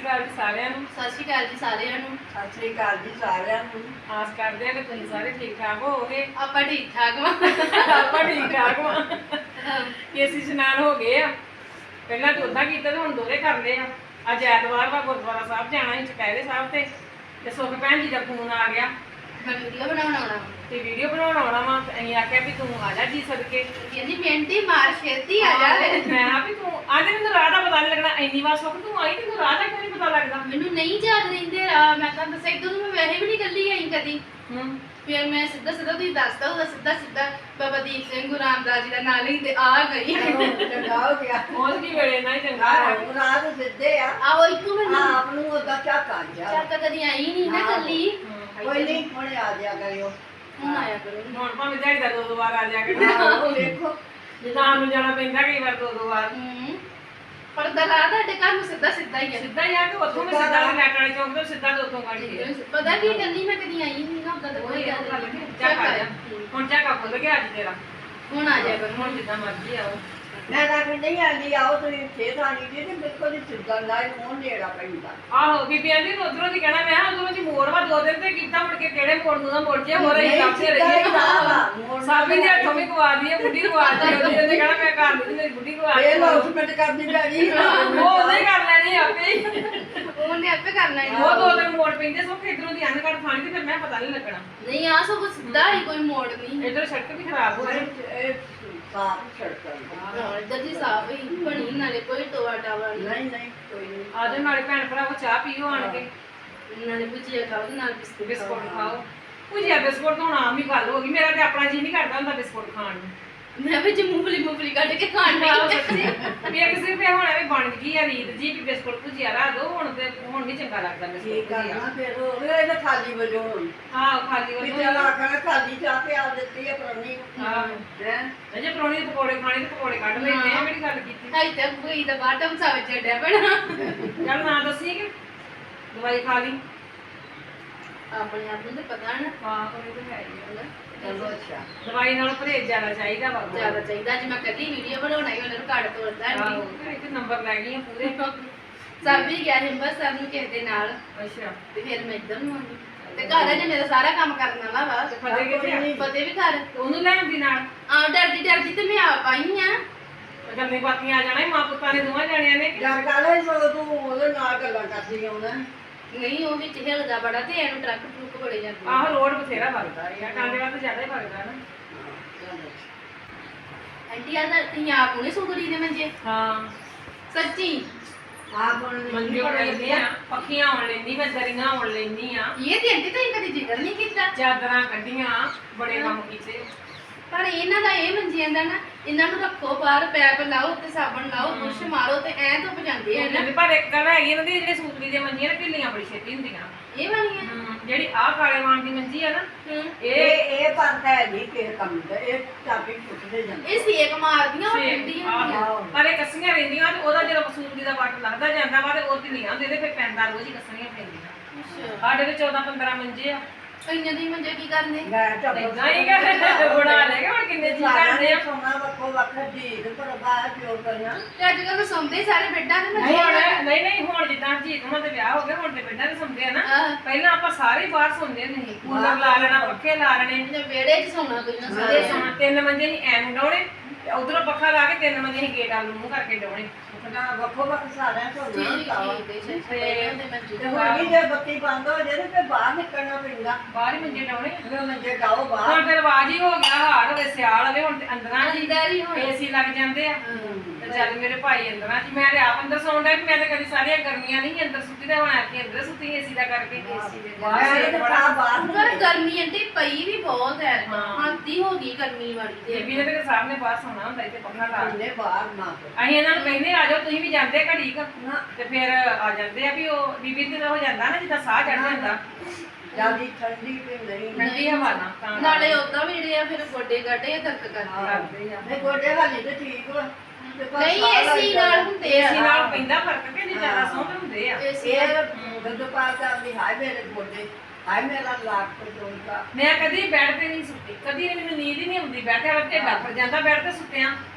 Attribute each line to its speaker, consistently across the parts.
Speaker 1: ਸ਼੍ਰੀ ਅਕਾਲ ਜੀ ਸਾਰਿਆਂ ਨੂੰ।
Speaker 2: ਸਤਿ ਸ਼੍ਰੀ ਅਕਾਲ ਜੀ ਸਾਰਿਆਂ ਨੂੰ।
Speaker 3: ਸਤਿ ਸ੍ਰੀ ਅਕਾਲ ਜੀ ਸਾਰਿਆਂ ਨੂੰ।
Speaker 1: ਆਸ ਕਰਦੇ ਆ ਕਿ ਤੁਸੀਂ ਸਾਰੇ ਠੀਕ ਠਾਕ ਹੋਵੋਗੇ।
Speaker 2: ਆਪਾਂ ਠੀਕ ਠਾਕ ਵਾਂ।
Speaker 1: ਆਪਾਂ ਠੀਕ ਠਾਕ ਵਾਂ। ਕੇਸੀ ਇਸ਼ਨਾਨ ਹੋ ਗਏ ਆ। ਪਹਿਲਾਂ ਤਾਂ ਉਦਾਂ ਕੀਤਾ ਤੇ ਹੁਣ ਦੋਰੇ ਕਰਦੇ ਆ। ਅੱਜ ਐਤਵਾਰ ਵਾ, ਗੁਰਦੁਆਰਾ ਸਾਹਿਬ ਜਾਣਾ ਸੀ ਚੁਪਹਿਰੇ ਸਾਹਿਬ ਤੇ ਸੁਖ ਭੈਣ ਜੀ ਦਾ ਫੋਨ ਆ ਗਿਆ
Speaker 2: ਮੈਂ ਵੀਡੀਓ ਬਣਾਉਣ ਆਉਣਾ
Speaker 1: ਤੇ ਵੀਡੀਓ ਬਣਾਉਣ ਆਉਣਾ ਵਾ। ਅਸੀਂ ਆਖਿਆ ਵੀ ਤੂੰ ਆ ਜਾ ਜੀ ਸਦਕੇ।
Speaker 2: ਕਹਿੰਦੀ ਮਿੰਟੀ ਮਾਰ ਛੇਤੀ ਆ ਜਾ।
Speaker 1: ਮੈਂ ਆ ਵੀ ਤੂੰ ਅੱਜ ਮੈਨੂੰ ਰਾਹ ਦਾ ਪਤਾ ਨਹੀਂ ਲੱਗਣਾ। ਇੰਨੀ ਵਾਰ ਸੁਖ ਤੂੰ ਆਈ ਤੈਨੂੰ ਰਾਹ ਦਾ ਕਿਉਂ ਨਹੀਂ ਪਤਾ ਲੱਗਦਾ?
Speaker 2: ਮੈਨੂੰ ਨਹੀਂ ਯਾਦ ਰਹਿੰਦੇ ਰਾਹ। ਮੈਂ ਤਾਂ ਦੱਸਿਆ ਇਦੋਂ ਮੈਂ ਵੈਸੇ ਵੀ ਨਹੀਂ ਗੱਲੀ ਆਈ ਕਦੀ। ਫਿਰ ਮੈਂ ਸਿੱਧਾ ਤੁਸੀਂ ਦੱਸਦਾ ਉਹਦਾ ਸਿੱਧਾ ਬਾਬਾ ਦੀਪ ਸਿੰਘ ਗੁਰੂ ਰਾਮਦਾਸ ਜੀ ਦਾ ਨਾਂ ਲਈ ਤੇ ਆ ਗਈ।
Speaker 3: ਚੰਗਾ ਹੋ ਗਿਆ।
Speaker 1: ਪਹੁੰਚ ਗਈ ਵੇਲੇ ਨਾਲ ਹੀ ਚੰਗਾ
Speaker 3: ਆਹ ਰਾਤ ਸਿੱਧੇ ਆ।
Speaker 2: ਆਹੋ ਇੱਕੋ ਮੈਨੂੰ
Speaker 3: ਆਪ ਨੂੰ ਉਹਦਾ ਝਾਕਾ ਜਾ।
Speaker 2: ਚੱਕ ਕਦੀ ਆਈ ਨਹੀਂ ਨਾ ਗੱਲੀ।
Speaker 3: ਕੋਈ ਨਹੀਂ ਹੁਣੇ ਆ ਜਾਇਆ ਕਰਿਓ।
Speaker 2: ਹੁਣ ਆਇਆ ਕਰੋ।
Speaker 1: ਹੁਣ ਭਾਵੇਂ ਦਿਹਾੜੀ ਦਾ ਦੋ ਵਾਰ ਆ ਜਾ ਕੇ
Speaker 3: ਆਹੋ ਵੇਖੋ
Speaker 1: ਜਿੱਦਾਂ ਨੂੰ ਜਾਣਾ ਪੈਂਦਾ ਕਈ ਵਾਰ ਦੋ ਵਾਰ।
Speaker 2: ਪਰ ਦਲਾ ਤੁਹਾਡੇ ਘਰ ਨੂੰ ਸਿੱਧਾ ਹੀ ਆ।
Speaker 1: ਸਿੱਧਾ ਹੀ ਆ ਕੇ ਉੱਥੋਂ ਮੈਂ ਸਿੱਧਾ ਲੈਟ ਵਾਲੇ ਚੌਂਕ ਤੋਂ ਸਿੱਧਾ ਉੱਥੋਂ ਕੱਢ ਕੇ
Speaker 2: ਪਤਾ ਕੀ ਗੱਲੀ ਮੈਂ ਕਦੀ ਆਈ ਨਹੀਂ ਨਾ ਉਦਾਂ ਤਾਂ ਕੋਈ ਗੱਲ ਨਹੀਂ।
Speaker 1: ਝਾਕਾ ਜਾ ਹੁਣ ਝਾਕਾ ਖੁੱਲ ਗਿਆ ਅੱਜ ਤੇਰਾ।
Speaker 2: ਹੁਣ ਆ ਜਾ ਕਰੋ।
Speaker 1: ਹੁਣ ਜਿੱਦਾਂ ਮਰਜ਼ੀ ਆਓ।
Speaker 3: ਮੈਂ ਤਾਂ ਕਿ ਨਹੀਂ ਆਂਦੀ ਆਓ ਤੁਸੀਂ ਖੇਤ ਆਣੀ ਜੀ ਤੇ ਬਿਲਕੁਲ ਹੀ ਸਿੱਧਾ ਲਾਈ ਮੋਹ ਨੇੜਾ ਪੈਂਦਾ।
Speaker 1: ਆਹੋ ਬੀਬੀ ਆਂਦੀ ਉਧਰੋਂ ਦੀ ਕਹਿਣਾ ਮੈਂ ਉਧਰੋਂ ਦੀ ਮੋੜ ਵਾ 2 ਦਿਨ ਤੇ ਕੀਤਾ ਮੁੜ ਕੇ ਕਿਹੜੇ ਮੋੜ ਨੂੰ ਨਾ ਮੁੜ ਜੇ ਹੋਰ ਹੀ ਕਾਪਸੇ ਰਹੀ। ਸਾਬੀ ਦੇ ਹੱਥੋਂ ਵੀ ਗਵਾ ਦਈਏ ਬੁੱਢੀ ਗਵਾ ਦਈਏ ਉਹਨੇ ਕਹਿਣਾ ਮੈਂ ਕਰ ਲਈ ਮੇਰੀ ਬੁੱਢੀ ਗਵਾ
Speaker 3: ਇਹ
Speaker 1: ਦਈ।
Speaker 3: ਲੌਸਮੈਂਟ ਕਰਦੀ ਪੈਣੀ।
Speaker 1: ਉਹ ਉਹਨੇ ਕਰ ਲੈਣੀ ਆਪੇ ਹੀ।
Speaker 2: ਉਹਨੇ ਆਪੇ ਕਰਨਾ ਹੀ।
Speaker 1: ਉਹ 2 ਦਿਨ ਮੋੜ ਪੈਂਦੇ ਸੋ ਇਧਰੋਂ ਦੀ ਅਨਕੜ ਖਾਣੀ ਤੇ ਫਿਰ ਮੈਂ ਪਤਾ ਨਹੀਂ ਲੱਗਣਾ।
Speaker 2: ਨਹੀਂ ਆ ਸਭ ਸਿੱਧਾ ਹੀ ਕੋਈ ਮੋੜ ਨਹੀਂ।
Speaker 1: ਇਧਰ ਸੜਕ ਵੀ ਖਰਾਬ ਹੋ ਰਹੀ।
Speaker 3: ਇਹ ਸਾਫ ਸੜਕ
Speaker 2: ਹਾਂ ਇੱਧਰ ਦੀ ਸਾਫ ਹੀ ਬਣੀ ਨਾਲੇ ਕੋਈ ਟੋਆ ਟਾਵਾ
Speaker 3: ਨਹੀਂ ਨਹੀਂ ਕੋਈ ਨਹੀਂ।
Speaker 1: ਆਜੋ ਨਾਲੇ ਭੈਣ ਭਰਾਵੋ ਚਾਹ ਪੀਓ ਆਣ ਕੇ।
Speaker 2: ਨਾਲੇ ਭੁਜੀਆ ਖਾਓ ਤੇ ਨਾਲ
Speaker 1: ਬਿਸਕੁਟ ਖਾਓ। ਭੁਜੀਆ ਬਿਸਕੁਟ ਤਾਂ ਹੁਣ ਆਮ ਹੀ ਗੱਲ ਹੋ ਗਈ। ਮੇਰਾ ਤੇ ਆਪਣਾ ਜੀ ਨਹੀਂ ਕਰਦਾ ਹੁੰਦਾ ਬਿਸਕੁਟ ਖਾਣ ਨੂੰ।
Speaker 2: ਮੈਂ ਵੀ ਮੂੰਗਫਲੀ ਕੱਢ ਕੇ ਖਾਣ
Speaker 1: ਆਹੋ
Speaker 2: ਨਹੀਂ।
Speaker 1: ਸੱਚੀ ਵੀ ਇੱਕ ਸਿਰਫ ਹੁਣ ਐਵੇਂ ਬਣ ਗਈ ਆ ਰੀਤ ਜੀ ਵੀ ਬਿਸਕੁਟ ਭੁਜੀਆ ਰਾ ਦੋ ਹੁਣ ਤੇ ਹੁਣ ਨਹੀਂ ਚੰਗਾ ਲੱਗਦਾ
Speaker 3: ਕੀ
Speaker 1: ਬਿਸਕੁਟ ਭੁਜੀਆ।
Speaker 3: ਕਰਨਾ ਫਿਰ ਉਹ ਇਹਦਾ ਖਾਲੀ ਵਜੋਂ ਹੁਣ।
Speaker 1: ਹਾਂ ਖਾਲੀ
Speaker 3: ਵੀ
Speaker 1: ਵਾਲੀ
Speaker 3: ਚਲ ਆਖਣਾ ਖਾਲੀ ਚਾਹ ਪਿਆ ਦਿੱਤੀ ਹੈ ਪਰੌਣੀ ਨੂੰ।
Speaker 1: ਹਾਂ
Speaker 3: ਹੈਂ?
Speaker 1: ਜੇ ਪਰੌਣੀ ਦੇ ਪਕੌੜੇ ਖਾਣੇ ਤੇ ਪਕੌੜੇ ਕੱਢ ਲੈਂਦੇ ਆ। ਕਿਹੜੀ ਗੱਲ ਕੀਤੀ?
Speaker 2: ਹਾਈ ਤੇ ਕੋਈ ਦਾ ਬਾਟਮ ਸਾਵੇ ਚੱਡਿਆ ਬਣਾ।
Speaker 1: ਚੱਲ ਨਾ ਦੱਸੀ ਕਿ ਦਵਾਈ ਖਾ ਲਈ।
Speaker 2: ਆਪਣੇ ਆਪ ਨੂੰ ਤੇ ਪਤਾ ਨਾ।
Speaker 1: ਹਾਂ ਉਹ ਤਾਂ ਹੈ ਹੀ ਆ।
Speaker 3: ਚਲੋ ਅੱਛਾ।
Speaker 1: ਦਵਾਈ ਨਾਲ ਪਰਹੇਜ਼ ਜ਼ਿਆਦਾ ਚਾਹੀਦਾ ਵਾ।
Speaker 2: ਜ਼ਿਆਦਾ ਚਾਹੀਦਾ ਅੱਜ ਮੈਂ ਕੱਲੀ ਵੀਡੀਓ ਬਣਾਉਣਾ ਹੀ ਉਹਨਾਂ ਨੂੰ ਕੱਢ ਤੋੜਦਾ
Speaker 1: ਆਹੋ
Speaker 2: ਨਹੀਂ।
Speaker 1: ਇੱਥੇ ਨੰਬਰ ਲੈ ਗਈ ਆ ਪੂਰੇ।
Speaker 2: ਸਭ ਵੀ ਗਿਆ ਹਿੰਬਰ ਸਰ ਨੂੰ ਕਿਸੇ ਦੇ ਨਾਲ
Speaker 1: ਅੱਛਾ
Speaker 2: ਤੇ ਫਿਰ ਮੈਂ ਇੱਧਰ ਨੂੰ ਆ ਗਈ ਤੇ ਘਰ ਆ ਜੇ ਮੇਰਾ ਸਾਰਾ ਕੰਮ ਕਰਨ ਵਾਲਾ ਵਾ।
Speaker 1: ਫਤਿਹ ਕਿੱਥੇ ਆ?
Speaker 2: ਫਤਿਹ ਵੀ ਘਰ
Speaker 1: ਉਹਨੂੰ ਲੈਣ ਦੀ ਨਾਲ
Speaker 2: ਆ ਡਰਦੀ ਤੇ ਮੈਂ ਆਪ ਆਈ ਆ।
Speaker 1: ਗੱਲਾਂ ਬਾਤੀਆਂ ਆ ਜਾਣਾ ਸੀ, ਮਾਂ ਪੁੱਤਾਂ ਨੇ ਦੋਵਾਂ ਜਾਣਿਆਂ ਨੇ।
Speaker 3: ਜਦ ਕਾਲੇ ਸੋ ਤੂੰ ਉਹਦੇ ਨਾਲ ਗੱਲਾਂ ਕਰਦੀ ਆਉਣਾ।
Speaker 2: ਨਹੀਂ ਉਹ ਵਿੱਚ ਹਿਲਦਾ ਬੜਾ ਤੇ ਇਹਨੂੰ ਟਰੱਕ ਟਰੁੱਕ ਬੜੇ ਜਾਂਦੇ।
Speaker 1: ਆਹ ਰੋਡ ਬਥੇਰਾ ਵਗਦਾ ਯਾਰ। ਟਾਂਡੇ ਵੱਲ ਤਾਂ ਜ਼ਿਆਦਾ ਹੀ ਵਗਦਾ ਨਾ।
Speaker 2: ਆਂਟੀ ਆ ਤਾਂ ਤੁਸੀਂ ਆਪ ਹੁਣੇ ਸੁਧਰੀ ਦੇ ਮੰਜੇ
Speaker 1: ਹਾਂ
Speaker 2: ਸੱਚੀ।
Speaker 3: ਆਪ ਹੁਣ
Speaker 1: ਮੰਜੇ ਹੋ ਲੈਂਦੀ ਆ, ਪੱਖੀਆਂ ਆਉਣ ਲੈਂਦੀ, ਮੈਂ ਦਰੀਆਂ ਆਉਣ ਲੈਂਦੀ ਆ,
Speaker 2: ਇਹ ਤੇ ਆਂਟੀ ਤਾਂ ਕਦੀ ਜ਼ਿਕਰ ਨਹੀਂ ਕੀਤਾ।
Speaker 1: ਚਾਦਰਾਂ ਕੱਢੀਆਂ, ਬੜੇ ਕੰਮ ਕੀਤੇ।
Speaker 2: ਪਰ ਇਹਨਾਂ ਦਾ ਇਹ ਮੰਜਿਆਂ ਦਾ ਨਾ ਇਹਨਾਂ ਨੂੰ ਰੱਖੋ ਬਾਹਰ ਪੈਪ ਲਾਓ ਤੇ ਸਾਬਣ ਲਾਓ ਬੁਰਸ਼ ਮਾਰੋ ਤੇ ਐ ਧੁੱਪ ਜਾਂਦੇ ਆ ਨਾ।
Speaker 1: ਪਰ ਇੱਕ ਗੱਲ ਹੈਗੀ ਇਹਨਾਂ ਦੀ ਜਿਹੜੇ ਸੂਤਰੀ ਦੀਆਂ ਮੰਜੀਆਂ ਨੇ ਢਿੱਲੀਆਂ ਬੜੀ ਛੇਤੀ ਹੁੰਦੀਆਂ।
Speaker 2: ਇਹ ਵਾਲੀਆਂ
Speaker 1: ਜਿਹੜੀ ਆਹ ਕਾਲੇ ਵਾਣ ਦੀ ਮੰਜੀ ਆ ਨਾ
Speaker 3: ਇਹ ਪਰ ਹੈ ਨਹੀਂ ਕਿਸੇ ਕੰਮ ਦਾ। ਇਹ ਚਾਬੀ ਪੁੱਟਦੇ ਜਾਂਦੇ।
Speaker 2: ਇਹ ਸੇਕ ਮਾਰਦੀਆਂ ਉਹ
Speaker 1: ਛੇ-
Speaker 2: ਠੰਡੀਆਂ
Speaker 1: ਆਹੋ।
Speaker 2: ਹੁੰਦੀਆਂ।
Speaker 1: ਪਰ ਇਹ ਕੱਸੀਆਂ ਰਹਿੰਦੀਆਂ ਤੇ ਉਹਦਾ ਜਦੋਂ ਸੂਤਰੀ ਦਾ ਵੱਟ ਲੱਗਦਾ ਜਾਂਦਾ ਵਾ ਤੇ ਉਹ ਢਿੱਲੀਆਂ ਹੁੰਦੀਆਂ ਤੇ ਫਿਰ ਪੈਂਦਾ ਰੋਜ਼ ਹੀ ਕੱਸਣੀਆਂ ਪੈਂਦੀਆਂ।
Speaker 2: ਅੱਛਾ
Speaker 1: ਸਾਡੇ ਤੇ 14-15 ਮੰਜੇ ਆ।
Speaker 2: ਕਈਆਂ ਦੀ ਮੰਜੇ ਕੀ ਕਰਨੇ।
Speaker 3: ਮੈਂ ਤਾਂ
Speaker 1: ਏਦਾਂ ਹੀ ਕਰ ਬਣਾ ਲੇਗਾ ਹੁਣ ਕਿੰਨੇ ਜੀ ਕਰਦੇ ਆ।
Speaker 3: ਸੋਨਾ ਵੱਖੋ ਵੱਖ ਜੀ ਪਰ ਬਾਅਦ ਜੋ ਕਰਨਾ।
Speaker 2: ਤੇ ਅੱਜ ਕੱਲ੍ਹ ਤਾਂ ਸੌਂਦੇ ਹੀ ਸਾਰੇ ਬੈੱਡਾਂ ਤੇ ਮੰਜੇ
Speaker 1: ਹੁਣ ਨਹੀਂ ਹੁਣ ਜਿੱਦਾਂ ਜੀਤ ਉਹਨਾਂ ਦੇ ਵਿਆਹ ਹੋ ਗਏ ਹੁਣ ਤੇ ਬੈੱਡਾਂ ਤੇ ਸੌਂਦੇ ਆ ਨਾ।
Speaker 2: ਆਹ
Speaker 1: ਪਹਿਲਾਂ ਆਪਾਂ ਸਾਰੇ ਬਾਹਰ ਸੌਂਦੇ ਨਹੀਂ। ਕੂਲਰ ਲਾ ਲੈਣਾ, ਪੱਖੇ ਲਾ ਲੈਣੇ
Speaker 2: ਇਹਨੇ ਵਿਹੜੇ 'ਚ ਸੌਣਾ ਕੋਈ ਨਾ
Speaker 1: ਤੇ
Speaker 2: ਸਾਰੇ।
Speaker 1: ਸੌਣਾ। 3 ਮੰਜੇ ਹੀ ਐਂ ਡਾਉਣੇ ਤੇ ਉਧਰੋਂ ਪੱਖਾ ਲਾ ਕੇ 3 ਮੰਜੇ ਹੀ ਗੇਟ ਵੱਲ ਨੂੰ ਮੂੰਹ ਕਰਕੇ ਡਾਉਣੇ।
Speaker 3: ਨਾ ਵੱਖੋ ਵੱਖ ਸਾਰਿਆਂ ਤੋਂ ਨਾ
Speaker 2: ਠੀਕ
Speaker 3: ਤਾਵਾ।
Speaker 2: ਠੀਕ ਹੈ ਪਹਿਲਾਂ ਦੇ ਮੰਜੇ
Speaker 3: ਤੇ ਹੁਣ ਵੀ ਜੇ ਬੱਤੀ ਬੰਦ ਹੋ ਜਾਏ ਤੇ ਬਾਹਰ ਨਿਕਲਣਾ ਪੈਂਦਾ।
Speaker 1: ਬਾਹਰ ਹੀ ਮੰਜੇ ਡਾਉਣੇ।
Speaker 3: ਉਹ ਮੰਜੇ ਡਾਓ ਬਾਹਰ।
Speaker 1: ਹੁਣ ਤੇ ਰਿਵਾਜ ਹੀ ਹੋ ਗਿਆ। ਹਾੜ ਹੋਵੇ ਸਿਆਲ ਹੋਵੇ ਹੁਣ ਤੇ ਅੰਦਰਾਂ ਜੀ
Speaker 2: ਅੰਦਰ ਹੀ ਹੁਣ
Speaker 1: ਏਸੀ ਲੱਗ ਜਾਂਦੇ ਆ। ਤੇ ਚੱਲ ਮੇਰੇ ਭਾਈ ਅੰਦਰਾਂ ਜੀ। ਮੈਂ ਤੇ ਆਪ ਅੰਦਰ ਸੌਣ ਡਿਆ। ਮੈਂ ਤੇ ਕਦੀ ਸਾਰੀਆਂ ਗਰਮੀਆਂ ਨਹੀਂ ਅੰਦਰ ਸੁੱਤੀ ਤੇ ਹੁਣ ਆ ਕੇ ਅੰਦਰ ਸੁੱਤੀ ਏਸੀ ਦਾ ਕਰਕੇ।
Speaker 2: ਏਸੀ ਦੇ
Speaker 1: ਬਾਹਰ
Speaker 3: ਇਹ
Speaker 1: ਤੇ
Speaker 3: ਤਾਂ
Speaker 1: ਬੜਾ
Speaker 3: ਬਾਹਰ
Speaker 2: ਪਰ ਗਰਮੀ ਆਂਟੀ ਪਈ ਵੀ ਬਹੁਤ ਹੈ।
Speaker 1: ਹਾਂ।
Speaker 2: ਹੱਦੀ ਹੋ ਗਈ ਗਰਮੀ ਵਾਲੀ ਤੇ
Speaker 1: ਬੀਬੀ ਨੇ ਤੇ ਸਾਹਮਣੇ ਬਾਹਰ ਸੌਣਾ ਹੁੰਦਾ ਇੱਥੇ ਪੱਖਾ ਲਾ ਕੇ।
Speaker 3: ਹੁੰਦੇ ਬਾਹਰ ਨਾ
Speaker 1: ਅਸੀਂ ਇਹਨਾਂ ਨੂੰ ਕਹਿੰਦੇ ਆ ਜਾਓ ਤੁਸੀਂ ਵੀ ਜਾਂਦੇ ਘੜੀ ਕ
Speaker 3: ਨਾ
Speaker 1: ਤੇ ਫਿਰ ਆ ਜਾਂਦੇ ਆ ਵੀ ਉਹ ਬੀਬੀ ਤੇ ਹੋ ਜਾਂਦਾ ਨਾ ਜਿੱਦਾਂ ਸਾਹ ਚੜ ਜਾਂਦਾ
Speaker 3: ਜਿਆਦੀ ਠੰਡੀ ਤੇ ਨਹੀਂ।
Speaker 1: ਠੰਡੀ ਹਵਾ ਨਾਲ ਤਾਂ
Speaker 2: ਨਾਲੇ ਉਦਾਂ ਵੀ ਜਿਹੜੇ ਆ ਫਿਰ ਗੋਡੇ ਗਾਡੇ ਦਰਦ ਕਰਦੇ
Speaker 1: ਕਰਦੇ ਆ।
Speaker 3: ਨਹੀਂ ਗੋਡੇ ਹਾਲੀ ਤੇ ਠੀਕ ਵਾ। ਤੇ ਪਰ
Speaker 2: ਨਹੀਂ
Speaker 3: ਸਾਹ
Speaker 2: ਏਸੀ
Speaker 3: ਲੱਗ
Speaker 2: ਨਾਲ
Speaker 3: ਜਾਂਦਾ।
Speaker 2: ਹੁੰਦੇ
Speaker 1: ਏਸੀ
Speaker 2: ਆ।
Speaker 1: ਨਾਲ ਪੈਂਦਾ ਫਰਕ ਕਿ ਨਹੀਂ ਜ਼ਿਆਦਾ ਸੌਂਦੇ ਹੁੰਦੇ ਆ।
Speaker 2: ਏਸੀ
Speaker 3: ਇਹ ਗੱਦੋਂ ਪਾਰ ਕਰਦੀ ਹਾਏ ਮੇਰੇ ਗੋਡੇ ਹਾਏ ਮੇਰਾ ਲੱਕ ਟੁੱਟਦਾ।
Speaker 1: ਮੈਂ ਕਦੀ ਬੈੱਡ ਤੇ ਨਹੀਂ ਸੁੱਤੀ। ਕਦੀ ਨਹੀਂ ਮੈਨੂੰ ਨੀਂਦ ਹੀ ਨਹੀਂ ਆਉਂਦੀ। ਬੈਠੇ ਵਾਲਾ ਢਿੱਡ ਆਫਰ ਜਾਂਦਾ ਬੈੱਡ ਤੇ ਸੁੱਤਿਆਂ।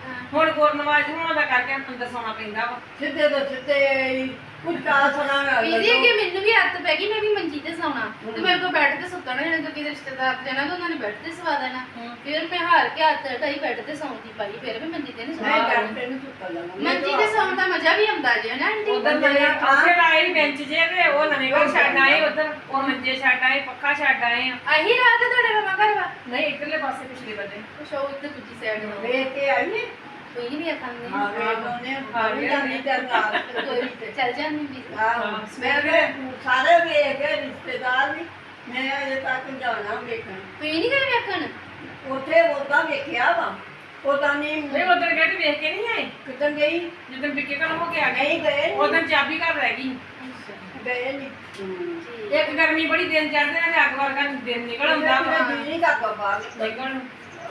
Speaker 1: ਹੁਣ ਗੁਰਨਵਾਜ ਹੋਣਾ ਦਾ ਕਰਕੇ ਅੰਦਰ ਸੌਣਾ ਪੈਂਦਾ ਵਾ।
Speaker 3: ਸਿੱਧੇ ਤੋਂ ਸਿੱਧੇ ਕੁਝ ਕਾ ਸੁਣਾ
Speaker 2: ਇਹਦੀ ਅੱਗੇ ਮੈਨੂੰ ਵੀ ਆਦਤ ਪੈ ਗਈ, ਮੈਂ ਵੀ ਮੰਜੀ ਤੇ ਸੌਣਾ ਤੇ ਮੇਰੇ ਕੋਲ ਬੈੱਡ ਤੇ ਸੁੱਤਣਾ ਨਹੀਂ, ਕਿਉਂਕਿ ਰਿਸ਼ਤੇਦਾਰ ਤੇ ਜਾਣਾ ਤਾਂ ਉਹਨਾਂ ਨੇ ਬੈੱਡ ਤੇ ਸਵਾ ਦੇਣਾ। ਫਿਰ ਮੈਂ ਹਾਰ ਕੇ ਹੱਥ ਢਾਈ ਬੈੱਡ ਤੇ ਸੌਣ ਦੀ ਪਾਈ, ਫਿਰ ਵੀ ਮੰਜੀ ਤੇ ਨਹੀਂ
Speaker 3: ਮੈਂ
Speaker 2: ਸੌਣਾ।
Speaker 3: ਡਰ ਤੈਨੂੰ ਸੁੱਤਾ ਜਾਣਾ
Speaker 2: ਮੰਜੀ ਤੇ ਸੌਣ ਦਾ ਮਜ਼ਾ ਵੀ ਆਉਂਦਾ ਜੇ ਨਾ ਆਂਟੀ।
Speaker 1: ਉਧਰ ਨਵੇਂ ਪੱਖੇ ਲਾਏ ਬੈਂਚ ਜੇ ਤੇ ਉਹ ਨਵੇਂ ਘਰ ਛੱਡ ਆਏ, ਉਧਰ ਉਹ ਮੰਜੇ ਛੱਡ ਆਏ, ਪੱਖਾ ਛੱਡ ਆਏ ਆ।
Speaker 2: ਆਹੀ ਰਾਤ ਹੈ ਤੁਹਾਡੇ ਮਾਮਾ ਘਰ ਵਾ?
Speaker 1: ਨਹੀਂ ਇੱਧਰਲੇ ਪਾਸੇ ਪਿਛਲੇ ਬੰਦੇ
Speaker 2: ਕੁਛ ਉਹ ਉੱਤੇ ਦੂਜੀ ਸਾਈਡ ਨੂੰ
Speaker 3: ਵੇਖ ਕੇ ਆਈ ਨੇ
Speaker 2: ਕੋਈ ਨਹੀਂ ਵੇਖਾਂਗੇ।
Speaker 3: ਹਾਂ ਵੇਖ ਉਹਨੇ ਭਾਵੇਂ ਜਾਂਦੀ ਤੇ ਨਾਲ
Speaker 2: ਚੱਲ ਜਾਂਦੀ ਵੀ।
Speaker 3: ਆਹੋ ਮੈਂ ਕਿਹਾ ਸਾਰੇ ਵੇਖ ਕੇ ਰਿਸ਼ਤੇਦਾਰ ਵੀ ਮੈਂ ਅਜੇ ਤੱਕ ਜਾਣਾ ਵੇਖਣ
Speaker 2: ਕੋਈ ਨਹੀਂ ਗਏ ਵੇਖਣ?
Speaker 3: ਉੱਥੇ ਉਹਦਾ ਵੇਖਿਆ ਵਾ ਉਹਦਾ ਨਹੀਂ
Speaker 1: ਨਹੀਂ ਉਧਰ ਗਏ ਤੇ ਵੇਖ ਕੇ ਨਹੀਂ ਆਏ।
Speaker 3: ਕਿਤੇ ਗਈ
Speaker 1: ਜਦੋਂ ਬਿੱਕੇ ਘਰ ਹੋ ਕੇ ਆ ਗਏ
Speaker 3: ਨਹੀਂ ਗਏ
Speaker 1: ਉਦੋਂ ਚਾਬੀ ਘਰ ਰਹਿ ਗਈ।
Speaker 3: ਗਏ ਨਹੀਂ
Speaker 1: ਇੱਕ ਗਰਮੀ ਬੜੀ ਦਿਨ ਚੜ੍ਹਦੇ ਨੇ, ਅੱਗ ਵਰਗਾ ਦਿਨ ਨਿਕਲ ਆਉਂਦਾ ਵਾ।
Speaker 3: ਨਹੀਂ ਕਰਦਾ ਬਾਹਰ
Speaker 1: ਨਿਕਲਣ ਨੂੰ।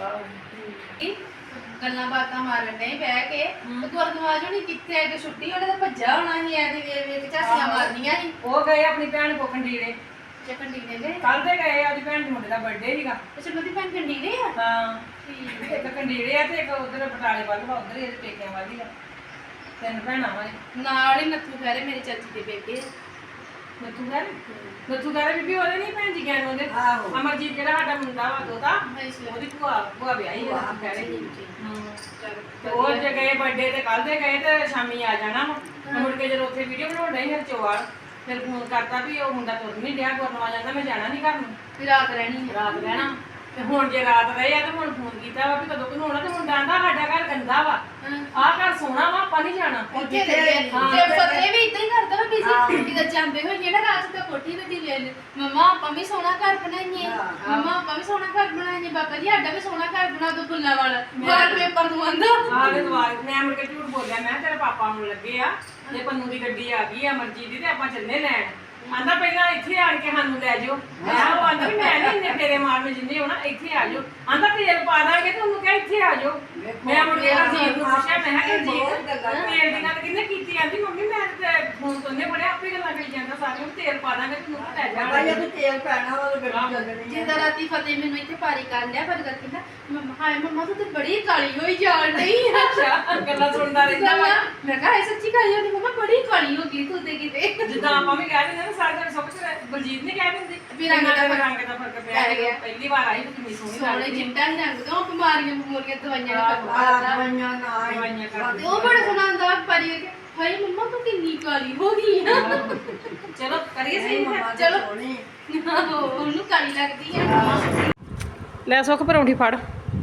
Speaker 2: ਗੱਲਾਂ ਬਾਤਾਂ ਮਾਰਨ ਡਏ ਬਹਿ ਕੇ ਤੇ ਗੁਰਦੁਆਰਾ ਜੋ ਨਹੀਂ ਕਿੱਥੇ ਆਏ ਤੇ ਛੁੱਟੀ ਉਹਨੇ ਤਾਂ ਭੱਜਾ ਹੋਣਾ ਸੀ ਐ ਦੇ ਵੇਖ ਝਾਸੀਆਂ ਮਾਰਨੀਆਂ ਸੀ।
Speaker 1: ਉਹ ਗਏ ਆਪਣੀ ਭੈਣ ਕੋ ਖੰਡੀਰੇ,
Speaker 2: ਚੱਕਣ ਡੀਨੇ ਗਏ
Speaker 1: ਕੱਲ ਤੇ ਗਏ, ਅੱਜ ਭੈਣ ਦੇ ਮੁੰਡੇ ਦਾ ਬਰਥਡੇ ਸੀਗਾ।
Speaker 2: ਅੱਛਾ ਮੇਰੀ ਭੈਣ ਕੰਡੀਰੇ ਆ?
Speaker 1: ਹਾਂ
Speaker 2: ਠੀਕ
Speaker 1: ਇੱਕ ਖੰਡੀਰੇ ਆ ਤੇ ਇੱਕ ਉਧਰ ਬਟਾਲੇ ਵੱਲ ਵਾ, ਉਧਰ ਇਹਦੇ ਪੇਕਿਆਂ ਵੱਲ ਹੀ ਆ। ਤਿੰਨ ਭੈਣਾਂ ਵਾ ਇਹ।
Speaker 2: ਨਾਲ ਹੀ ਨੱਥੂ ਫੇਰੇ ਮੇਰੀ ਚਾਚੀ ਦੇ ਬੇਟੇ।
Speaker 1: ਨੱਥੂ ਘਰ ਬੀਬੀ ਉਹਦੇ ਨਹੀਂ ਭੈਣ ਜੀ ਗਿਆਨ ਉਹਦੇ
Speaker 3: ਆਹੋ।
Speaker 1: ਅਮਰਜੀਤ ਜਿਹੜਾ ਸਾਡਾ ਮੁੰਡਾ ਵਾ ਦੋਤਾ,
Speaker 2: ਅੱਛਾ
Speaker 1: ਉਹਦੀ ਭੂਆ ਵਿਆਹੀ ਹੈ ਨੱਥੂ ਘਰੇ।
Speaker 2: ਚੱਲ
Speaker 1: ਤੇ ਉਹ ਜੇ ਗਏ ਬਰਥਡੇ ਤੇ ਕੱਲ ਦੇ ਗਏ ਤੇ ਸ਼ਾਮੀ ਆ ਜਾਣਾ ਵਾ। ਤੇ ਮੁੜ ਕੇ ਜਦੋਂ ਉੱਥੇ ਵੀਡੀਓ ਬਣਾਉਣ ਡਈ ਫਿਰ ਚੋਵਾਲ, ਫਿਰ ਫੋਨ ਕਰਤਾ ਵੀ ਉਹ ਮੁੰਡਾ ਤੁਰ ਨਹੀਂ ਡਿਆ, ਗੁਰਨਵਾ ਜਾਂਦਾ, ਮੈਂ ਜਾਣਾ ਨਹੀਂ ਘਰ ਨੂੰ,
Speaker 2: ਫਿਰ ਰਾਤ ਰਹਿਣੀ ਆ।
Speaker 1: ਰਾਤ ਰਹਿਣਾ। ਤੇ ਹੁਣ ਜੇ ਰਾਤ ਰਹੇ ਆ ਤੇ ਹੁਣ ਫੋਨ ਕੀਤਾ ਵਾ ਵੀ ਕਦੋਂ ਘਨੋਣਾ, ਤੇ ਮੁੰਡਾ ਆਂਦਾ ਸਾਡਾ ਘਰ ਗੰਦਾ ਵਾ, ਆਹ ਘਰ ਸੋਹਣਾ ਵਾ, ਆਪਾਂ ਨਹੀਂ ਜਾਣਾ।
Speaker 2: ਉੱਥੇ ਲੱਗੇ ਤੇ ਫਤਿਹ ਵੀ ਇਦਾਂ ਹੀ ਕਰਦਾ ਵਾ ਬੀਜੀ ਕਿਦਾਂ ਜਾਂਦੇ ਹੋਏ ਜਿਹੜਾ ਰਾਤ ਤੇ ਕੋਠੀ ਤੇ ਲੈ ਲੈ ਮਮਾ ਆਪਾਂ ਵੀ ਸੋਹਣਾ ਘਰ ਬਣਾਈਏ, ਮਮਾ ਆਪਾਂ ਵੀ ਸੋਹਣਾ ਘਰ ਬਣਾਈਏ, ਬਾਬਾ ਜੀ ਸਾਡਾ ਵੀ ਸੋਹਣਾ ਘਰ ਬਣਾ ਦੋ ਫੁੱਲਾਂ ਵਾਲਾ ਵਾਲ ਪੇਪਰ ਨੂੰ ਆਂਦਾ।
Speaker 1: ਆਹ ਦੇ ਦਵਾਰ ਮੈਂ ਮੁੜ ਕੇ ਝੂਠ ਬੋਲਿਆ, ਮੈਂ ਤੇਰੇ ਪਾਪਾ ਨੂੰ ਲੱਗੇ ਆ ਜੇ ਪੰਨੂ ਦੀ ਗੱਡੀ ਆ ਗਈ ਆ ਅਮਰਜੀਤ ਦੀ ਤੇ ਆਪਾਂ ਚੱਲੇ ਲੈਣ। ਆਂਦਾ ਪਹਿਲਾਂ ਇੱਥੇ ਆਣ ਕੇ ਸਾਨੂੰ ਲੈ ਜਾਓ। ਮੈਂ ਉਹ ਆਂਦਾ ਵੀ ਮੈਂ ਨਹੀਂ ਇੰਨੇ ਫੇਰੇ ਮਾਰਨੇ ਜਿੰਨੇ ਹੋਣਾ, ਇੱਥੇ ਆ ਜਾਓ। ਆਂਦਾ ਤੇਲ ਪਾ ਦਾਂਗੇ ਤੇ ਉਹਨੂੰ ਕਿਹਾ ਇੱਥੇ ਆ ਜਾਓ। ਮੈਂ ਮੁੜ ਕੇ ਰਣਜੀਤ ਨੂੰ ਪੁੱਛਿਆ, ਮੈਂ ਕਿਹਾ ਰਣਜੀਤ ਤੇਲ ਦੀ ਗੱਲ ਕਿਹਨੇ ਕੀਤੀ? ਆਂਦੀ ਮੰਮੀ ਮੈਂ ਤੇ ਫੋਨ ਤੋਂ ਨੇ ਪੜਿਆ, ਆਪੇ ਗੱਲਾਂ ਕਰੀ ਜਾਂਦਾ ਸਾਰੀਆਂ, ਤੇਲ ਪਾ ਦਾਂਗੇ ਤੈਨੂੰ ਲੈ ਜਾ।
Speaker 3: ਭਾਈ ਇਹ ਤੇਲ ਪੈਣਾ ਵਾ ਗੱਡੀ ਚੱਲਣੀ
Speaker 2: ਜਿੱਦਾਂ ਰਾਤੀ ਫਤਿਹ ਮੈਨੂੰ ਇੱਥੇ ਪਾਰੀ ਕਰ ਲਿਆ ਪਰ ਕਹਿੰਦਾ ਮੰਮਾ ਹਾਏ ਮੰਮਾ ਤੂੰ ਤੇ ਬੜੀ ਕਾਲੀ ਹੋਈ ਜਾਣ ਡਈ ਆ।
Speaker 1: ਅੱਛਾ ਗੱਲਾਂ ਸੁਣਦਾ ਰਹਿੰਦਾ ਵਾ।
Speaker 2: ਮੈਂ ਕਿਹਾ ਇਹ ਸੱਚੀ ਕਾਲੀ ਹੋ ਗਈ ਮੰਮਾ, ਬੜੀ ਕਾਲੀ ਹੋ ਗਈ ਤੂੰ ਤੇ ਕਿਤੇ।
Speaker 1: ਜਿੱਦਾਂ ਆਪਾਂ ਵੀ ਕਹਿ ਦਿੰਦੇ ਨਾ ਸਾਰੇ ਜਣੇ ਸਭ ਕੁਝ ਬਲਜੀਤ ਨੇ ਕਹਿ ਦਿੰਦੇ
Speaker 2: ਵੀ ਰੰਗ ਦਾ
Speaker 1: ਫਰਕ ਪਿਆ ਗਿਆ। ਪਹਿਲੀ ਵਾਰ ਆਈ ਤੇ ਕਿੰਨੀ ਸੋਹਣੀ
Speaker 2: ਸੋਹਣੇ
Speaker 1: ਲੱਗਦੀ।
Speaker 2: ਚਿੰਟਾ ਹੀ ਰੰਗ ਤੋਂ ਬਿਮਾਰੀਆਂ ਬਮੂਰੀਆਂ ਦਵਾਈਆਂ
Speaker 3: ਆ
Speaker 2: ਦਾ
Speaker 3: ਦਵਾਈਆਂ ਨਾ
Speaker 1: ਦਵਾਈਆਂ ਕਰ
Speaker 2: ਤੇ ਉਹ ਬੜਾ ਸੋਹਣਾ ਆਂਦਾ ਪਾਰੀ ਕੇ ਹਾਏ ਮੰਮਾ ਤੂੰ ਕਿੰਨੀ ਕਾਲੀ ਹੋ ਗਈ ਆ।
Speaker 1: ਚਲੋ ਕਰੀਏ ਸਹੀ ਫਿਰ।
Speaker 2: ਚਲੋ।
Speaker 3: ਸੋਹਣੀ
Speaker 2: ਉਹਨੂੰ ਕਾਲੀ ਲੱਗਦੀ ਆ।
Speaker 1: ਲੈ ਸੁੱਖ ਪਰੌਂਠੀ ਫੜ।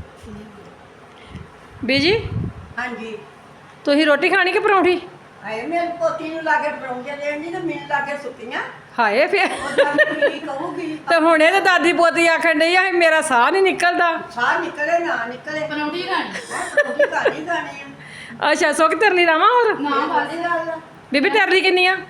Speaker 1: ਬੀਜੀ
Speaker 3: ਹਾਂਜੀ
Speaker 1: ਤੁਸੀਂ ਰੋਟੀ ਖਾਣੀ ਕਿ ਪਰੌਂਠੀ?
Speaker 3: ਆਏ ਮੇਰੇ ਪੋਤੀ ਨੂੰ ਲਾ ਕੇ ਪਰੌਂਠੇ ਦੇਣ ਦੀ ਤੇ ਮੈਨੂੰ ਲਾ ਕੇ ਸੁੱਕੀਆਂ
Speaker 1: ਹਾਏ ਫਿਰ
Speaker 3: ਉਹ ਤਾਂ ਕੀ ਕਹੂਗੀ
Speaker 1: ਤੇ ਹੁਣੇ ਤੇ ਦਾਦੀ ਪੋਤੀ ਆਖਣ ਡਈ ਆ ਮੇਰਾ ਸਾਹ ਨਹੀਂ ਨਿਕਲਦਾ।
Speaker 3: ਸਾਹ ਨਿਕਲੇ ਨਾ ਨਿਕਲੇ
Speaker 2: ਪਰੌਂਠੀ ਖਾਣੀ
Speaker 3: ਪਰੌਂਠੀ ਖਾਣੀ ਖਾਣੀ ਆ
Speaker 1: ਅੱਛਾ ਸੁੱਖ ਤੇਰੇ ਲਈ ਲਾਵਾਂ ਹੋਰ?
Speaker 2: ਨਾ ਬਾਦੀ
Speaker 3: ਗੱਲ
Speaker 1: ਬੀਬੀ ਤੇਰੇ ਲਈ ਕਿੰਨੀ ਆ?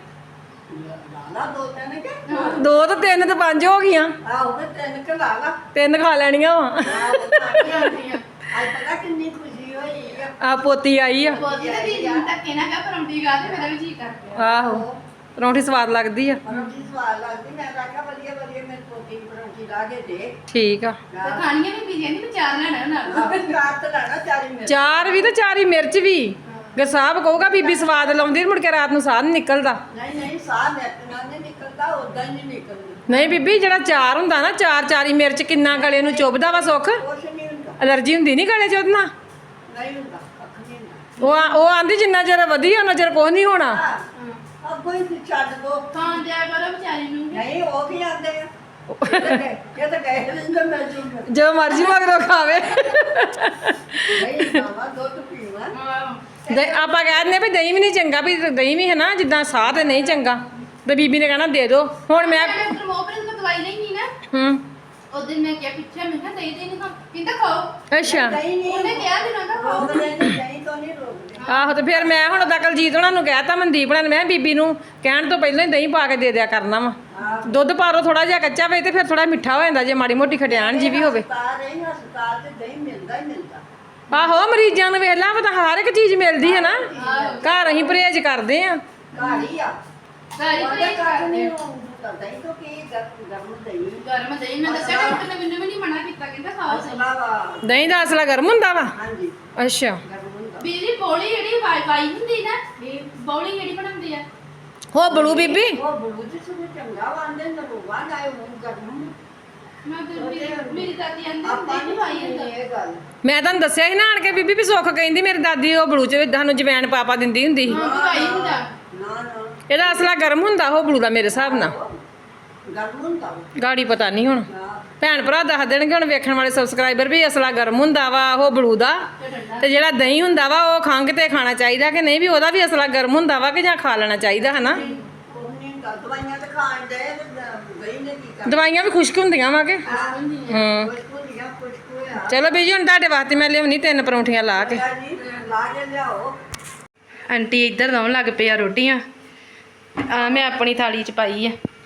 Speaker 3: ਲਾ ਦੋ ਤਿੰਨ ਕੇ
Speaker 1: ਦੋ ਤੇ ਤਿੰਨ ਤੇ ਪੰਜ ਹੋ ਗਈਆਂ,
Speaker 3: ਆਹੋ ਤੇ ਤਿੰਨ ਕੇ ਲਾ ਲਾ
Speaker 1: ਤਿੰਨ ਖਾ ਲੈਣੀਆਂ ਵਾ।
Speaker 3: ਆਹੋ ਖਾਣੀਆਂ। ਅੱਜ ਪਤਾ ਕਿੰਨੀ ਖੁਸ਼ੀ ਹੋਈ ਆ
Speaker 1: ਆ ਪੋਤੀ ਆਈ ਆ।
Speaker 2: ਬੋਦੀ ਤੇ ਦੀਦੀ ਨੂੰ ਧੱਕੇ ਨਾ ਕਰ ਪਰੌਂਠੀ ਖਾ ਤੇ ਮੇਰਾ ਵੀ ਜੀ ਕਰਦਾ।
Speaker 1: ਆਹੋ ਪਰੌਂਠੀ ਸਵਾਦ ਲੱਗਦੀ ਆ।
Speaker 3: ਪਰੌਂਠੀ ਸਵਾਦ ਲੱਗਦੀ ਮੈਂ ਤਾਂ ਆਖਿਆ ਵਧੀਆ ਵਧੀਆ ਮੇਰੀ ਪੋਤੀ ਨੂੰ ਪਰੌਂਠੀ ਲਾ ਕੇ ਦੇ
Speaker 1: ਠੀਕ ਆ।
Speaker 2: ਤੇ ਖਾਣੀਆਂ ਵੀ ਪੀਦੀਆਂ ਨਹੀਂ ਵਿਚਾਰ ਲੈਣਾ ਨਾਲ।
Speaker 3: ਰਾਤ ਲੈਣਾ ਚਾਰੀ ਮਿੰਟ
Speaker 1: ਚਾਰ ਵੀ ਤੇ ਚਾਰੀ ਮਿਰਚ ਵੀ। ਗਸਾਬ ਕਹੂਗਾ ਬੀਬੀ ਸਵਾਦ ਲਾਉਂਦੀ, ਮੁੜ ਕੇ ਰਾਤ ਨੂੰ ਸਾਹ ਨਹੀਂ ਨਿਕਲਦਾ।
Speaker 3: ਨਹੀਂ ਨਹੀਂ ਸਾਹ ਨਿਕਲਣਾ ਨਹੀਂ ਨਿਕਲਦਾ ਉਦਾਂ ਹੀ ਨਹੀਂ ਨਿਕਲਦਾ
Speaker 1: ਨਹੀਂ ਬੀਬੀ ਜਿਹੜਾ ਚਾਰ ਹੁੰਦਾ ਨਾ, ਚਾਰ ਚਾਰੀ ਮਿਰਚ ਕਿੰਨਾ ਗਲੇ ਨੂੰ ਚੁੱਭਦਾ ਵਾ ਸੁੱਖ।
Speaker 3: ਕੁਛ ਨਹੀਂ ਹੁੰਦਾ
Speaker 1: ਅਲਰਜੀ ਹੁੰਦੀ ਨਹੀਂ ਗਲੇ 'ਚ ਉਹਦੇ ਨਾਲ।
Speaker 3: ਨਹੀਂ ਹੁੰਦਾ ਕੱਖ ਨਹੀਂ ਹੁੰਦਾ
Speaker 1: ਉਹ ਆਂਦੀ ਜਿੰਨਾ ਚਿਰ ਵਧੀਆ ਉਹਨਾਂ ਚਿਰ ਕੁਛ ਨਹੀਂ ਹੋਣਾ।
Speaker 3: ਅੱਗੋਂ ਹੀ ਛੱਡ ਦੋ
Speaker 2: ਖਾਣ ਦਿਆ ਕਰੋ ਵਿਚਾਰੀ ਨੂੰ ਵੀ।
Speaker 3: ਨਹੀਂ ਉਹ ਕੀ ਆਂਦੇ ਆ ਇਹ ਤਾਂ ਗਏ ਰਹਿੰਦੇ ਮੈਂ ਜੂਗਾ
Speaker 1: ਜੋ ਮਰਜ਼ੀ ਮਗਰੋਂ ਖਾਵੇ।
Speaker 3: ਨਹੀਂ ਮਾਵਾ ਦੁੱਧ ਪੀਵਾ
Speaker 1: ਆਪਾਂ ਕਹਿ ਦਿੰਦੇ ਵੀ ਦਹੀਂ ਵੀ ਨਹੀਂ ਚੰਗਾ, ਵੀ ਦਹੀਂ ਵੀ ਹੈ ਨਾ ਜਿੱਦਾਂ ਸਾਹ ਤੇ ਨਹੀਂ ਚੰਗਾ, ਤੇ ਬੀਬੀ ਨੇ ਕਹਿਣਾ ਦੇ ਦੋ। ਹੁਣ ਮੈਂ
Speaker 2: ਮੋਪਰੇ ਤੋਂ ਦਵਾਈ ਲਈ ਨਹੀਂ ਨਾ
Speaker 1: ਹੂੰ
Speaker 2: ਉਹ ਦਿਨ ਮੈਂ ਕਿਹਾ ਪਿੱਛੇ ਮੈਂ ਕਿਹਾ ਦਹੀਂ ਨਹੀਂ ਖਾ ਕਹਿੰਦਾ ਖਾਓ।
Speaker 1: ਅੱਛਾ
Speaker 3: ਨਹੀਂ ਨਹੀਂ
Speaker 2: ਉਹਨੇ ਕਿਹਾ ਦਿਨਾਂ ਦਾ ਖਾਓ।
Speaker 3: ਰੋਕਦੇ ਨਹੀਂ ਦਹੀਂ ਤੋਂ ਨਹੀਂ ਰੋਕਦੇ
Speaker 1: ਆਹੋ ਤੇ ਫਿਰ ਮੈਂ ਹੁਣ ਦਕਲਜੀਤ ਉਹਨਾਂ ਨੂੰ ਕਹਿਤਾ, ਮਨਦੀਪ ਉਹਨਾਂ ਨੇ, ਮੈਂ ਬੀਬੀ ਨੂੰ ਕਹਿਣ ਤੋਂ ਪਹਿਲਾਂ ਹੀ ਦਹੀਂ ਪਾ ਕੇ ਦੇ ਦਿਆ ਕਰਨਾ ਵਾ। ਦੁੱਧ ਪਾ ਲਓ ਥੋੜਾ ਜਿਹਾ ਕੱਚਾ ਵੇ ਤੇ ਫਿਰ ਥੋੜਾ ਮਿੱਠਾ ਹੋ ਜਾਂਦਾ ਜੇ ਮਾੜੀ ਮੋਟੀ ਖਟਿਆਣ ਜੀ ਵੀ ਹੋਵੇ।
Speaker 3: ਹਸਪਤਾਲ ਤੇ ਦਹੀਂ ਮਿਲਦਾ ਹੀ ਮਿਲਦਾ
Speaker 1: ਆਹੋ ਮਰੀਜ਼ਾਂ ਨੂੰ ਵੇਖ ਲਾ ਪਤਾ ਹਰ ਇੱਕ ਚੀਜ਼ ਮਿਲਦੀ ਹੈ ਨਾ। ਘਰ ਅਸੀਂ ਪਰਹੇਜ਼ ਕਰਦੇ ਆ।
Speaker 3: ਘਰ ਹੀ ਆ
Speaker 2: ਸਾਰੀ
Speaker 3: ਉਹਦੇ
Speaker 2: ਕੋਈ
Speaker 3: ਘਰ ਨਹੀਂ ਹੁੰਦਾ ਦਹੀਂ ਤੋਂ ਕੀ ਗਰਮ ਦਹੀਂ
Speaker 2: ਗਰਮ ਦਹੀਂ ਮੈਂ ਦੱਸਿਆ ਡਾਕਟਰ ਨੇ ਮੈਨੂੰ ਵੀ ਨਹੀਂ ਮਨਾ ਕੀਤਾ ਕਹਿੰਦਾ ਖਾਓ ਸਹੀ।
Speaker 3: ਮਸਲਾ ਵਾ
Speaker 1: ਦਹੀਂ ਦਾ ਅਸਲਾ ਗਰਮ ਹੁੰਦਾ ਵਾ।
Speaker 3: ਹਾਂਜੀ
Speaker 1: ਅੱਛਾ
Speaker 3: ਗਰਮ
Speaker 2: ਬੀਜੀ ਬੋਲੀ ਜਿਹੜੀ ਵਾਈ ਹੁੰਦੀ ਨਾ ਇਹ ਬੋਲੀ ਜਿਹੜੀ ਬਣਾਉਂਦੇ ਆ
Speaker 4: ਹੋ ਬਲੂ ਬੀਬੀ
Speaker 3: ਉਹ ਬਲੂ ਜੀ ਸੁਣ ਚੰਗਾ ਵਾਂਦੇ ਨਾ ਰੋਵਾ ਨਾ ਉਹ ਗਰਮ
Speaker 2: ਮੈਂ ਤੇ ਮੇਰੀ ਦਾਦੀ ਆਂਦੀ
Speaker 3: ਆਪਾਂ
Speaker 2: ਹੁੰਦੀ
Speaker 3: ਨਹੀਂ
Speaker 2: ਵਾਈ
Speaker 3: ਪਾਈ
Speaker 2: ਹੁੰਦਾ
Speaker 3: ਇਹ ਗੱਲ
Speaker 4: ਮੈਂ ਤੁਹਾਨੂੰ ਦੱਸਿਆ ਸੀ ਨਾ ਆਣ ਕੇ ਬੀਬੀ ਵੀ ਸੁੱਖ ਕਹਿੰਦੀ ਮੇਰੀ ਦਾਦੀ ਉਹ ਬਲੂ ਚ ਸਾਨੂੰ ਜਵੈਣ ਪਾਪਾ ਦਿੰਦੀ ਹੁੰਦੀ ਸੀ
Speaker 2: ਹਾਂ ਵਾਈ ਹੁੰਦਾ
Speaker 3: ਨਾ ਨਾ
Speaker 4: ਇਹਦਾ ਅਸਲਾ ਗਰਮ ਹੁੰਦਾ ਉਹ ਬਲੂ ਦਾ ਮੇਰੇ ਹਿਸਾਬ ਨਾਲ
Speaker 3: ਗਰਮ ਹੁੰਦਾ ਉਹ।
Speaker 4: ਗਾੜੀ ਪਤਾ ਨਹੀਂ ਹੁਣ
Speaker 3: ਹਾਂ
Speaker 4: ਭੈਣ ਭਰਾ ਦੱਸ ਦੇਣਗੇ ਹੁਣ ਵੇਖਣ ਵਾਲੇ ਸਬਸਕ੍ਰਾਈਬਰ ਵੀ ਅਸਲਾ ਗਰਮ ਹੁੰਦਾ ਵਾ ਉਹ ਬਲੂ ਦਾ ਤੇ ਜਿਹੜਾ ਦਹੀਂ ਹੁੰਦਾ ਵਾ ਉਹ ਖੰਘ ਤੇ ਖਾਣਾ ਚਾਹੀਦਾ ਕਿ ਨਹੀਂ ਵੀ ਉਹਦਾ ਵੀ ਅਸਲਾ ਗਰਮ ਹੁੰਦਾ ਵਾ ਕਿ ਜਾਂ ਖਾ ਲੈਣਾ ਚਾਹੀਦਾ ਹਨਾ
Speaker 3: ਉਹ ਨਹੀਂ ਦਵਾਈਆਂ ਤਾਂ ਖਾਣ ਦੇ ਤੇ ਗਈ ਨੇ ਕੀ ਕਰ
Speaker 4: ਦਵਾਈਆਂ ਵੀ ਖੁਸ਼ਕ ਹੁੰਦੀਆਂ ਵਾ ਕਿ ਹਾਂ
Speaker 3: ਕੁਝ ਦੀਆਂ ਕੁਝ ਹੋਇਆ
Speaker 4: ਚਲੋ ਬੀਜੀ ਹੁਣ ਤੁਹਾਡੇ ਵਾਸਤੇ ਮੈਂ ਲਿਆਉਣੀ 3 ਪਰੌਂਠੀਆਂ ਲਾ ਕੇ
Speaker 3: ਜੀ ਲਾ ਕੇ ਲਿਆਓ
Speaker 2: ਆਂਟੀ ਇੱਧਰ ਲਾਉਣ ਲੱਗ ਪਈ ਆ ਰੋਟੀਆਂ ਆ ਮੈਂ ਆਪਣੀ ਥਾਲੀ 'ਚ ਪਾਈ ਆ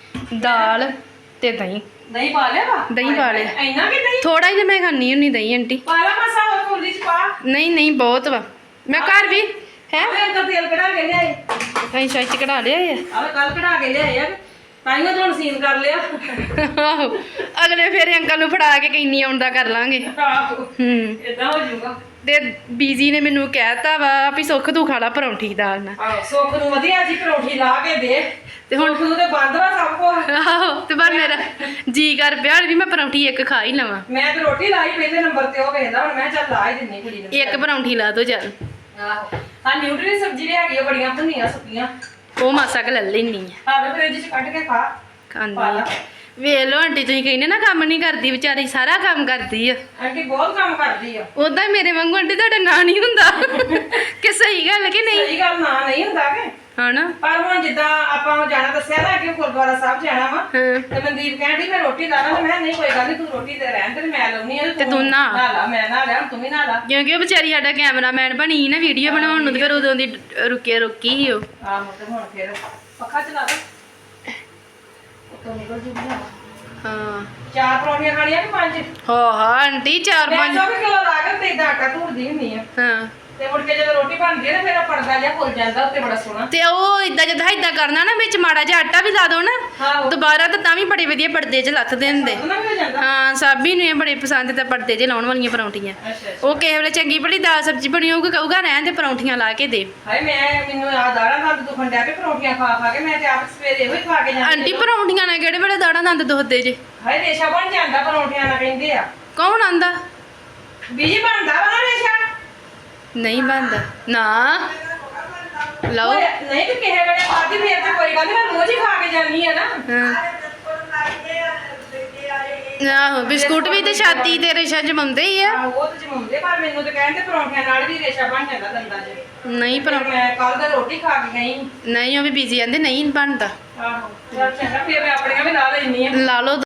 Speaker 2: ਦਾਲ ਤੇ ਦਹੀਂ
Speaker 1: ਦਹੀਂ ਪਾ ਲਿਆ ਵਾ
Speaker 2: ਦਹੀਂ ਪਾ ਲਿਆ
Speaker 1: ਇੰਨਾ ਕਿ ਦਹੀਂ
Speaker 2: ਥੋੜਾ ਜਿਹਾ ਮੈਂ ਖਾਣੀ ਹੁੰਨੀ ਦਹੀਂ ਆਂਟੀ
Speaker 1: ਪਾ ਲਾ ਮਸਾ ਹੋਰ ਕੋਲੀ ਚ ਪਾ
Speaker 2: ਨਹੀਂ ਨਹੀਂ ਬਹੁਤ ਵਾ ਮੈਂ ਘਰ ਵੀ ਹੈ
Speaker 1: ਆਵੇ ਅੰਕਲ ਤੇਲ ਕਢਾ ਕੇ ਲਿਆਏ
Speaker 2: ਅਸੀਂ ਸ਼ਾਇਦ ਚ ਕਢਾ ਲਿਆ ਆ
Speaker 1: ਆਵੇ ਕੱਲ ਕਢਾ ਕੇ ਲਿਆਏ ਆ ਤਾਈਓ ਤੁਹਾਨੂੰ ਸੀਨ ਕਰ ਲਿਆ
Speaker 2: ਆਹੋ ਅਗਲੇ ਫੇਰ ਅੰਕਲ ਨੂੰ ਫੜਾ ਕੇ ਕਿੰਨੀ ਆਉਂਦਾ ਕਰ ਲਾਂਗੇ
Speaker 1: ਆਹੋ ਇਦਾਂ ਹੋ ਜਾਊਗਾ
Speaker 2: ਤੇ ਬੀਜੀ ਨੇ ਮੈਨੂੰ ਕਹਿਤਾ ਵਾ ਵੀ ਸੁੱਖ ਤੂੰ ਖਾ ਲਾ ਪਰੌਂਠੀ ਦਾਲ ਨਾਲ
Speaker 1: ਆਹੋ ਸੁੱਖ ਨੂੰ ਵਧੀਆ ਜੀ ਪਰੌਂਠੀ ਲਾ ਕੇ ਦੇ
Speaker 2: ਤੇ ਹੁਣ
Speaker 1: ਸੁੱਖ ਨੂੰ ਤੇ ਬੰਦ ਵਾ ਸਭ ਕੁਛ
Speaker 2: ਆਹੋ ਤੇ ਪਰ ਮੇਰਾ ਜੀ ਕਰ ਪਿਆ ਹੁਣ ਵੀ ਮੈਂ ਪਰੌਂਠੀ ਇੱਕ ਖਾ ਹੀ ਲਵਾਂ
Speaker 1: ਮੈਂ ਤੇ ਰੋਟੀ ਲਾਈ ਪਹਿਲੇ ਨੰਬਰ ਤੇ ਉਹ ਵੇਖਦਾ ਹੁਣ ਮੈਂ ਚੱਲ ਲਾ ਹੀ ਦਿੰਨੀ ਕੁੜੀ ਨੂੰ
Speaker 2: ਇੱਕ ਪਰੌਂਠੀ ਲਾ ਦੋ ਚੱਲ
Speaker 1: ਆਹੋ ਆ ਨਿਊਟਰੀ ਸਬਜ਼ੀ ਵੀ ਹੈਗੀ ਆ ਬੜੀਆਂ ਭੁੰਨੀਆਂ ਸੁੱਕੀਆਂ
Speaker 2: ਉਹ ਮਾਸਾ ਕ ਲੈ ਲੈਣੀ ਆ
Speaker 1: ਆਵੇ ਫਰਿੱਜ ਚ ਕੱਢ ਕੇ ਖਾ
Speaker 2: ਖਾਂਦੀ ਆ ਵੇਖ ਲੋ ਆਂਟੀ ਤੁਸੀਂ ਕਹਿੰਦੇ ਨਾ ਕੰਮ ਨਹੀਂ ਕਰਦੀ ਵਿਚਾਰੀ ਸਾਰਾ ਕੰਮ ਕਰਦੀ ਆ
Speaker 1: ਆਂਟੀ ਬਹੁਤ ਕੰਮ ਕਰਦੀ ਆ
Speaker 2: ਉਦਾਂ ਹੀ ਮੇਰੇ ਵਾਂਗੂ ਆਂਟੀ ਤੁਹਾਡਾ ਨਾਂ ਨਹੀਂ ਹੁੰਦਾ ਕਿ ਸਹੀ ਗੱਲ ਕਿ ਨਹੀਂ
Speaker 1: ਸਹੀ ਗੱਲ ਨਾ ਨਹੀਂ ਹੁੰਦਾ ਕਿ
Speaker 2: ਹਨਾ
Speaker 1: ਪਰ ਹੁਣ ਜਿੱਦਾਂ ਆਪਾਂ ਜਾਣਾ ਦੱਸਿਆ ਨਾ ਕਿ ਗੁਰਦੁਆਰਾ ਸਾਹਿਬ ਜਾਣਾ ਵਾ
Speaker 2: ਹਾਂ
Speaker 1: ਤੇ ਮਨਦੀਪ ਕਹਿੰਦੀ ਮੈਂ ਰੋਟੀ ਲਾ ਲਾਂ ਤੇ ਮੈਂ ਨਹੀਂ ਕੋਈ ਗੱਲ ਨਹੀਂ ਤੂੰ ਰੋਟੀ ਤੇ ਰਹਿਣ ਤੇ ਮੈਂ ਲਾਉਣੀ ਆ
Speaker 2: ਤੇ ਤੂੰ ਨਹਾ।
Speaker 1: ਲਾ ਮੈਂ ਨਾ ਲਿਆ ਤੂੰ ਵੀ ਨਾ ਲਾ
Speaker 2: ਕਿਉਂਕਿ ਉਹ ਵਿਚਾਰੀ ਸਾਡਾ ਕੈਮਰਾਮੈਨ ਬਣੀ ਸੀ ਨਾ ਵੀਡੀਓ ਬਣਾਉਣ ਨੂੰ ਤੇ ਫਿਰ ਉਦੋਂ ਦੀ ਰੁਕੀ ਸੀ ਉਹ
Speaker 1: ਆਹੋ ਤੇ ਹੁਣ ਫਿਰ ਪੱਖਾ ਚਲਾ ਦੇ ਉੱਤੋਂ ਨਿਕਲ ਜੂਗੀ
Speaker 2: ਹਾਂ
Speaker 1: 4 ਪਰੌਂਠੀਆਂ ਖਾਣੀਆਂ ਕਿ 5
Speaker 2: ਹਾਂ ਆਂਟੀ ਚਾਰ
Speaker 1: ਮੈਂ
Speaker 2: ਪੰਜ
Speaker 1: 100 ਕਿਲੋ ਲਾ ਕੇ ਤੇ ਇਦਾਂ ਆਟਾ ਧੂੜਦੀ ਹੁੰਦੀ ਆ
Speaker 2: ਹਾਂ
Speaker 1: ਤੇ ਮੁੜ ਕੇ ਜਦੋਂ ਰੋਟੀ ਬਣਦੀ ਹੈ ਨਾ ਫਿਰ ਉਹ ਪਰਦਾ ਜਿਹਾ ਖੁੱਲ ਜਾਂਦਾ ਉੱਤੇ ਬੜਾ ਸੋਹਣਾ
Speaker 2: ਤੇ ਉਹ ਇਦਾਂ ਜਦ ਇਦਾਂ ਕਰਨਾ ਨਾ ਵਿੱਚ ਮਾੜਾ ਜਿਹਾ ਆਟਾ ਵੀ ਲਾ ਦੋ ਨਾ
Speaker 1: ਆਹੋ
Speaker 2: ਦੁਬਾਰਾ ਤਾਂ ਵੀ ਬੜੇ ਵਧੀਆ ਪਰਦੇ 'ਚ ਲੱਥਦੇ ਹੁੰਦੇ
Speaker 1: ਉਹਨਾਂ ਵੀ ਹੋ ਜਾਂਦਾ
Speaker 2: ਹਾਂ ਸਾਬੀ ਨੂੰ ਇਹ ਬੜੇ ਪਸੰਦ ਤੇ ਪਰਦੇ 'ਚ ਲਾਉਣ ਵਾਲੀਆਂ ਪਰੌਂਠੀਆਂ
Speaker 1: ਅੱਛਾ ਅੱਛਾ
Speaker 2: ਉਹ ਕਿਸੇ ਵੇਲੇ ਚੰਗੀ ਭਲੀ ਦਾਲ ਸਬਜ਼ੀ ਬਣੀ ਹੋਊਗੀ ਕਹੂਗਾ ਰਹਿਣ ਦੇ ਪਰੌਂਠੀਆਂ ਲਾ ਕੇ ਦੇ
Speaker 1: ਹਾਏ ਮੈਨੂੰ ਆ ਦਾੜਾ ਦੰਦ ਦੁਖਣ ਡਿਆ ਤੇ ਪਰੌਂਠੀਆਂ ਖਾ ਖਾ ਕੇ ਮੈਂ ਤੇ ਆਪ ਸਵੇਰੇ ਇਹੋ ਹੀ ਖਾ ਕੇ ਜਾਂਦੀ
Speaker 2: ਆਂਟੀ ਪਰੌਂਠੀਆਂ ਨਾਲ ਕਿਹੜੇ ਵੇਲੇ ਦਾੜਾ ਦੰਦ ਦੁਖਦੇ ਜੇ
Speaker 1: ਹਾਏ ਰੇਸ਼ਾ ਬਣ ਜਾਂਦਾ ਪਰੌਂਠੀਆਂ ਨਾਲ ਕਹਿੰਦੇ ਆ
Speaker 2: ਕੌਣ ਆਂਦਾ
Speaker 1: ਬੀਜੀ ਬਣਦਾ ਵਾ ਨਾ ਰੇਸ਼ਾ
Speaker 2: ਨਹੀਂ ਬੰਦਾ ਨਾ ਲਓ
Speaker 1: ਓਏ, ਨਹੀਂ ਤੇ ਕਿਸੇ ਵੇਲੇ ਖਾਦੀ ਫੇਰ ਤਾਂ ਕੋਈ ਗੱਲ ਨੀ ਮੈਂ ਰੋਜ਼ ਹੀ ਖਾ ਕੇ ਜਾਂਦੀ ਆ ਨਾ
Speaker 2: ਹਾਂ ਆਹੋ ਬਿਸਕੁਟ ਵੀ ਤੇ ਛਾਤੀ ਤੇ ਰੇਸ਼ਾ ਜਮਾਉਂਦੇ ਹੀ ਆ
Speaker 1: ਆਹੋ, ਉਹ ਤੇ ਜਮਾਉਂਦੇ ਪਰ ਮੈਨੂੰ ਤੇ ਕਹਿੰਦੇ ਪਰੌਂਠਿਆਂ ਨਾਲ ਵੀ ਰੇਸ਼ਾ ਬਣ ਜਾਂਦਾ ਦੰਦਾਂ 'ਚ
Speaker 2: ਨਹੀਂ
Speaker 1: ਪਰ ਮੈਂ ਕੱਲ ਦਾ ਰੋਟੀ ਖਾ ਕੇ ਗਈ
Speaker 2: ਨਹੀਂ ਉਹ ਵੀ ਬੀਜੀ ਆਂਦੇ ਨਹੀਂ ਬਣਦਾ
Speaker 1: ਆਹੋ ਚੱਲ ਚੰਗਾ ਫੇਰ ਮੈਂ ਆਪਣੀਆਂ ਵੀ ਲਾ ਲੈਣੀ ਆ
Speaker 2: ਲਾ ਲਓ